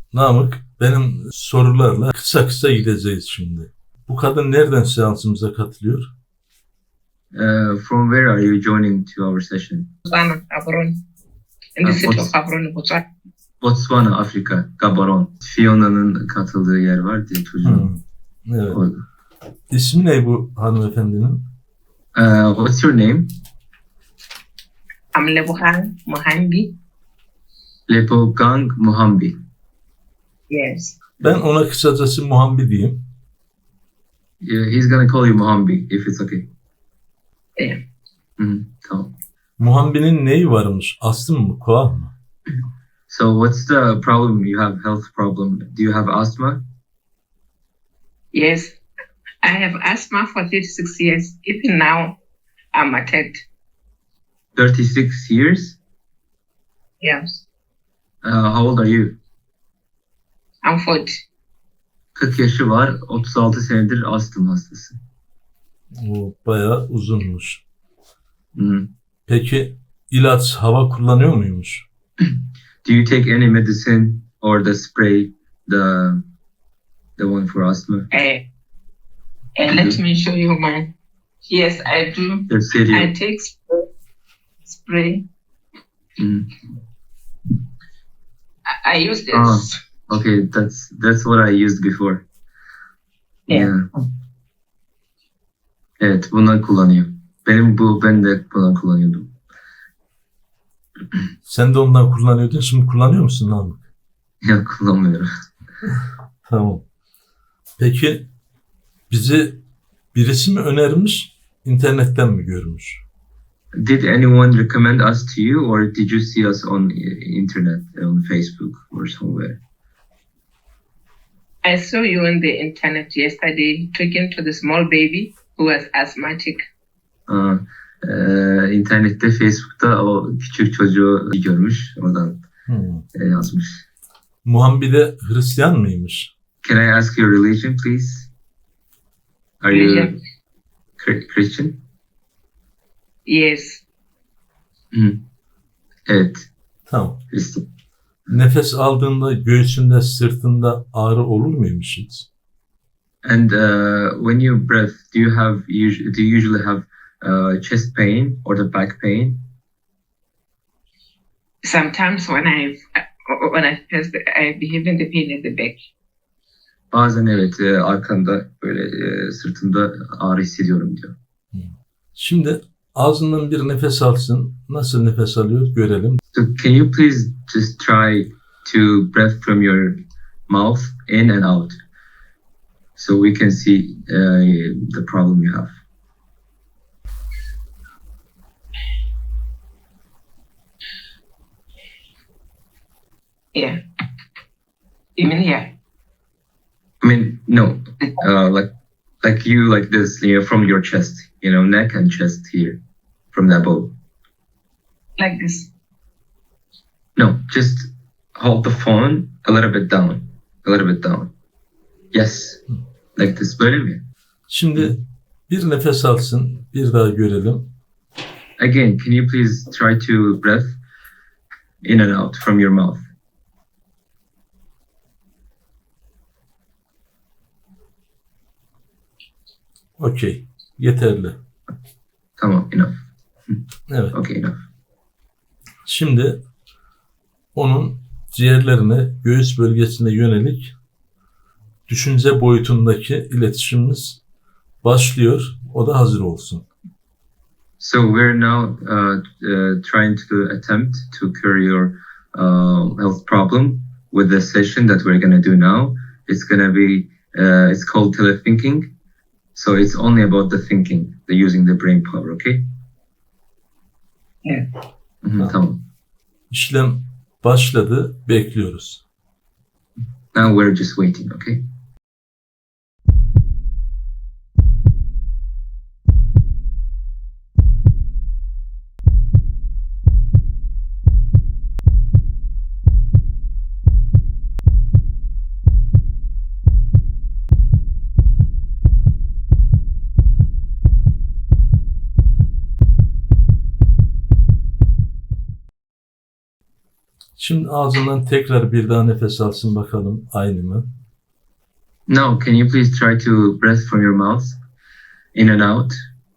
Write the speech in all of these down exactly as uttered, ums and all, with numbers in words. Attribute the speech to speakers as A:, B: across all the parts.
A: Namık, benim sorularla kısa kısa gideceğiz şimdi. Bu kadın nereden seansımıza katılıyor?
B: Uh, from where are you joining to our session?
C: Botswana, Gaborone. In the
B: Ah,
C: city
B: Bots-
C: of Gaborone, Botswana.
B: Botswana, Afrika, Gaborone. Fiona'nın katıldığı yer var diye çocuğun.
A: Hmm, evet.
B: Orada.
A: İsmi ne bu hanımefendinin?
B: Uh, what's your name?
C: I'm Lebogang Mohambi.
B: Lepogang Muhambi.
C: Yes.
A: Ben ona kısacası Muhambi diyeyim.
B: Yeah, he's gonna call you Muhambi if it's okay.
C: Yeah.
B: Hmm, tamam.
A: Muhambi'nin neyi varmış? Astım mı? Koa mı?
B: So what's the problem? You have health problem. Do you have asthma?
C: Yes. I have asthma for thirty-six years. Even now, I'm attacked.
B: thirty-six years?
C: Yes.
B: Uh, how old are you?
C: I'm forty.
B: kırk yaşı var, otuz altı senedir astım hastası.
A: O bayağı uzunmuş.
B: Hmm.
A: Peki ilaç, hava kullanıyor muymuş?
B: Do you take any medicine or the spray, the the one for asthma?
C: Uh, and let me show you mine. Yes, I do.
B: Gösteriyor.
C: I take spray. spray.
B: Hmm.
C: I, I use this.
B: Ah. Okay, that's that's what I used before.
C: Yeah.
B: Evet, bundan kullanıyor. Benim bu ben de bundan kullanıyordum.
A: Sen de ondan kullanıyordun. Şimdi kullanıyor musun Namık?
B: Ya kullanmıyorum.
A: Tamam. Peki bizi birisi mi önermiş, internetten mi görmüş?
B: Did anyone recommend us to you, or did you see us on internet, on Facebook or somewhere?
C: I saw you on the internet yesterday talking to the small baby who was asthmatic.
B: Aa, e, internette, Facebook'ta o küçük çocuğu görmüş, oradan
A: Hmm.
B: e, yazmış.
A: Muhambi de Hristiyan mıymış?
B: Can I ask your religion, please? Are you
C: Religion?
B: Chri- Christian?
C: Yes.
B: Hı. Evet,
A: Tamam.
B: Hristiyan.
A: Nefes aldığında göğsünde, sırtında ağrı olur muymuş hiç?
B: And uh, when you breathe, do you have usu- do you usually have uh, chest pain or the back pain?
C: Sometimes when I when I first I behave in the pain at the back.
B: Bazen evet, e, arkamda böyle e, sırtımda ağrı hissediyorum diyor.
A: Şimdi ağzından bir nefes alsın. Nasıl nefes alıyor görelim.
B: So can you please just try to breathe from your mouth in and out, so we can see uh, the problem you have.
C: Yeah. Even here.
B: I mean, no, uh, like like you like this, you know, from your chest, you know, neck and chest here, from the above.
C: Like this.
B: No, just hold the phone a little bit down, a little bit down. Yes, like this. Böyle mi?
A: Şimdi bir nefes alsın. Bir daha görelim.
B: Again, can you please try to breathe in and out from your mouth?
A: Okey. Yeterli.
B: Tamam, enough.
A: Evet.
B: Okay, enough.
A: Şimdi onun ciğerlerine, göğüs bölgesine yönelik düşünce boyutundaki iletişimimiz başlıyor. O da hazır olsun.
B: So we're now uh, uh, trying to attempt to cure your uh, health problem with the session that we're gonna do now. It's gonna be, uh, it's called telethinking. So it's only about the thinking, the using the brain power, okay?
C: Yeah.
B: Mhm, tamam.
A: İşlem başladı. Bekliyoruz.
B: Now we're just waiting, okay?
A: Şimdi ağzından tekrar bir daha nefes alsın bakalım, aynı mı?
B: No, can you please try to breathe from your mouth, in and out?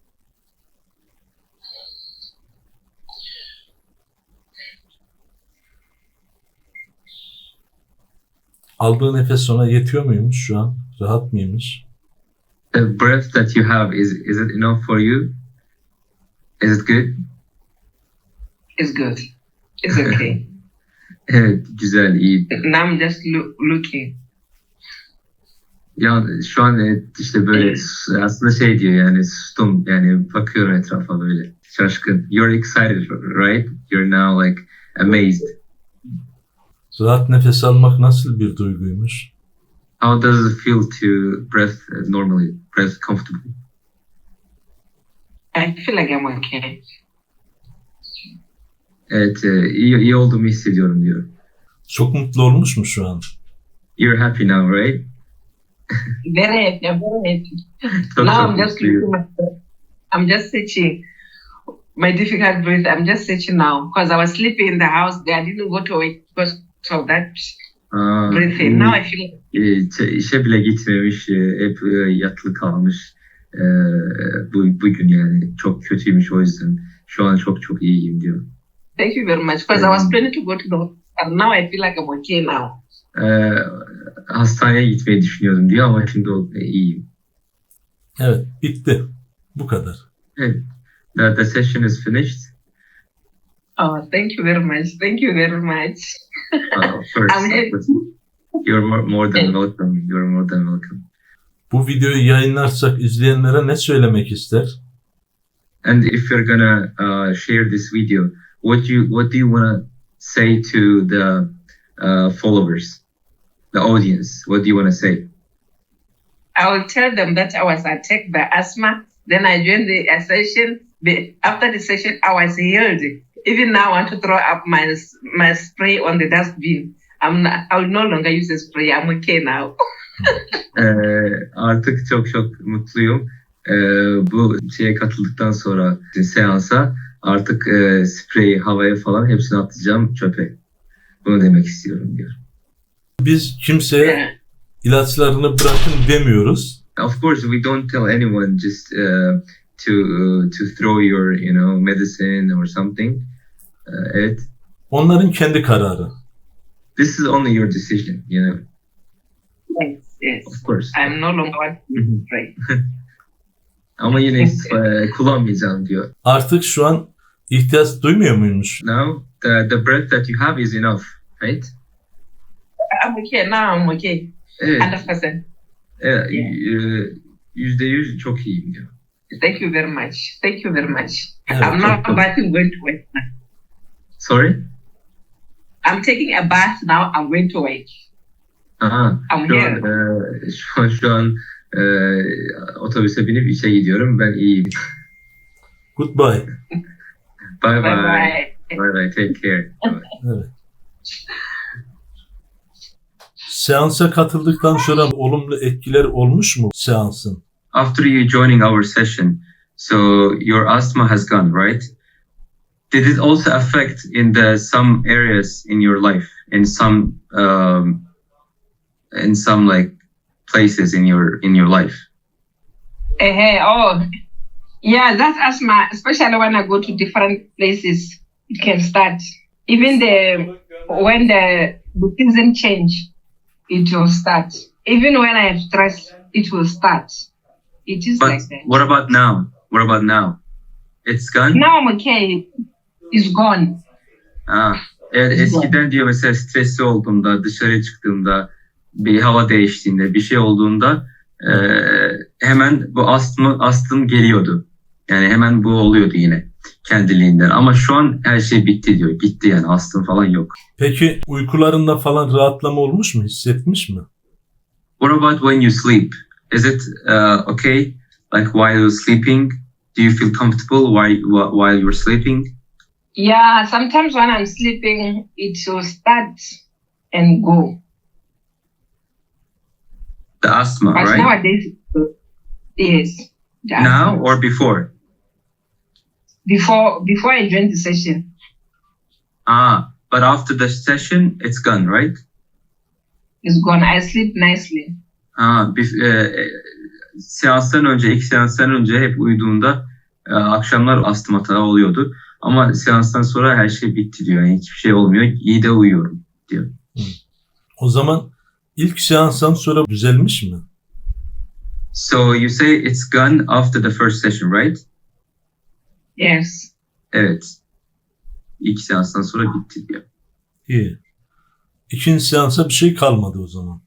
A: Aldığı nefes ona yetiyor muymuş şu an? Rahat mıymış?
B: The breath that you have, is is it enough for you? Is it good?
C: It's good. It's okay.
B: Evet, güzel, iyi.
C: Now I'm just loo- looking.
B: Ya şu an e, işte böyle s- aslında şey diyor yani sustum yani bakıyorum etrafa böyle şaşkın. You're excited, right? You're now like amazed.
A: Rahat nefes almak nasıl bir duyguymuş?
B: How does it feel to breathe uh, normally, breathe comfortably?
C: I feel like I'm okay.
B: Evet, e, iyi, iyi olduğumu hissediyorum diyor.
A: Çok mutlu olmuş mu şu an?
B: You're happy now, right?
C: Very happy. I'm very happy.
B: Çok
C: Now
B: çok
C: I'm just
B: mutluyum.
C: looking myself. I'm just searching my difficult breath. I'm just searching now because I was sleeping in the house. There, I didn't go to work because of that
B: Aa,
C: breathing. Now I feel
B: e, ç- işe bile gitmemiş, e, hep e, yatılı kalmış. E, bu bugün yani çok kötüymüş o yüzden. Şu an çok çok iyiyim diyor.
C: thank you very much because I was planning to go to the hospital. And now I feel like I'm okay now.
B: E, hastaneye gitmeyi düşünüyordum diyor ama şimdi o- e, iyiyim.
A: Evet, bitti. Bu kadar.
B: Evet. The, the session is finished.
C: Oh, thank you very much. Thank you very much.
B: Uh, of course,
C: I'm
B: of
C: happy.
B: course. You're more, more than welcome. You're more than welcome.
A: Bu videoyu yayınlarsak izleyenlere ne söylemek ister?
B: And if you're gonna uh, share this video, what do you what do you wanna say to the uh, followers, the audience? What do you wanna say?
C: I will tell them that I was attacked by asthma. Then I joined the uh, session. The, after the session, I was healed. Even now, I want to throw up my my spray on the dustbin. I'm not, I will no longer use the spray. I'm okay now.
B: Ee, artık çok çok mutluyum. Ee, bu şeye katıldıktan sonra seansa artık e, spreyi havaya falan hepsini atacağım çöpe. Bunu demek istiyorum diyor.
A: Biz kimseye ilaçlarını bırakın demiyoruz.
B: Of course, we don't tell anyone just uh, to uh, to throw your you know medicine or something. Uh, evet.
A: Onların kendi kararı.
B: This is only your decision, you know.
C: Yes, yes.
B: Of course.
C: I'm no longer want to use the spray.
B: Ama yine e, kullanmayacağım diyor.
A: Artık şu an ihtiyaç duymuyor muymuş?
B: Now the the breath that you have is enough, right?
C: I'm okay now. I'm okay.
B: Evet.
C: Hundred percent.
B: Evet, e, yüzde yüz çok iyiyim diyor.
C: Thank you very much. Thank you very much.
A: Evet,
C: I'm not
B: çok- çok-
C: about to go to work.
B: Sorry?
C: I'm taking a bath now. I'm going to work.
B: Aha,
C: I'm
B: şu an,
C: here.
B: e, şu an, şu an e, otobüse binip işe gidiyorum. Ben iyiyim.
A: Goodbye.
B: Bye bye.
C: Bye bye.
B: Bye bye. Take care.
A: Evet. Seansa katıldıktan sonra olumlu etkiler olmuş mu seansın?
B: After you joining our session, so your asthma has gone, right? Did it also affect in the some areas in your life, in some um, in some like places in your in your life?
C: Hey, hey, oh, yeah, that's asthma, especially when I go to different places. It can start. Even the when the, the season change, it will start. Even when I have stress, it will start. It is
B: But
C: like that.
B: what about now? What about now? It's gone.
C: Now I'm okay. It's gone.
B: Ha, evet, eskiden diyor mesela stresli olduğumda, dışarı çıktığımda, bir hava değiştiğinde, bir şey olduğunda e, hemen bu astım, astım geliyordu. Yani hemen bu oluyordu yine kendiliğinden. Ama şu an her şey bitti diyor. Gitti yani astım falan yok.
A: Peki uykularında falan rahatlama olmuş mu? Hissetmiş mi?
B: What about when you sleep? Is it uh, okay? Like while you're sleeping, do you feel comfortable while while you're sleeping?
C: Yeah, sometimes when I'm sleeping, it will start and go.
B: The asthma,
C: But
B: right?
C: nowadays, yes. the
B: Now
C: asthma.
B: or before?
C: before before I joined the session.
B: Ah, but after the session, it's gone, right?
C: It's gone. I sleep nicely.
B: Ha, bir, e, seanstan önce, ilk seanstan önce hep uyuduğunda e, akşamlar astım atağı oluyordu. Ama seanstan sonra her şey bitti diyor. Yani hiçbir şey olmuyor. İyi de uyuyorum diyor.
A: O zaman ilk seanstan sonra düzelmiş mi?
B: So you say it's gone after the first session, right?
C: Yes.
B: Evet. İlk seanstan sonra bitti diyor.
A: İyi. İkinci seansa bir şey kalmadı o zaman.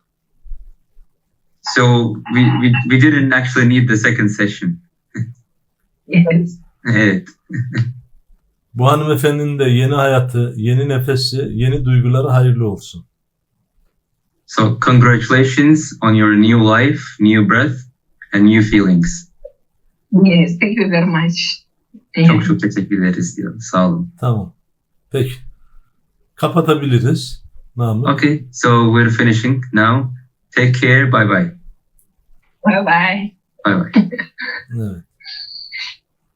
B: So we, we, we didn't actually need the second session.
C: Yes.
B: Evet.
A: Bu hanımefendinin de yeni hayatı, yeni nefesi, yeni duyguları hayırlı olsun.
B: So congratulations on your new life, new breath and new feelings.
C: Yes. Thank you very much.
B: Çok çok teşekkür ederiz diyor. Sağ olun.
A: Tamam. Peki. Kapatabiliriz. Namık.
B: Okay, so we're finishing now. Take care. Bye bye.
C: Bye bye.
B: Bye bye.
A: Evet.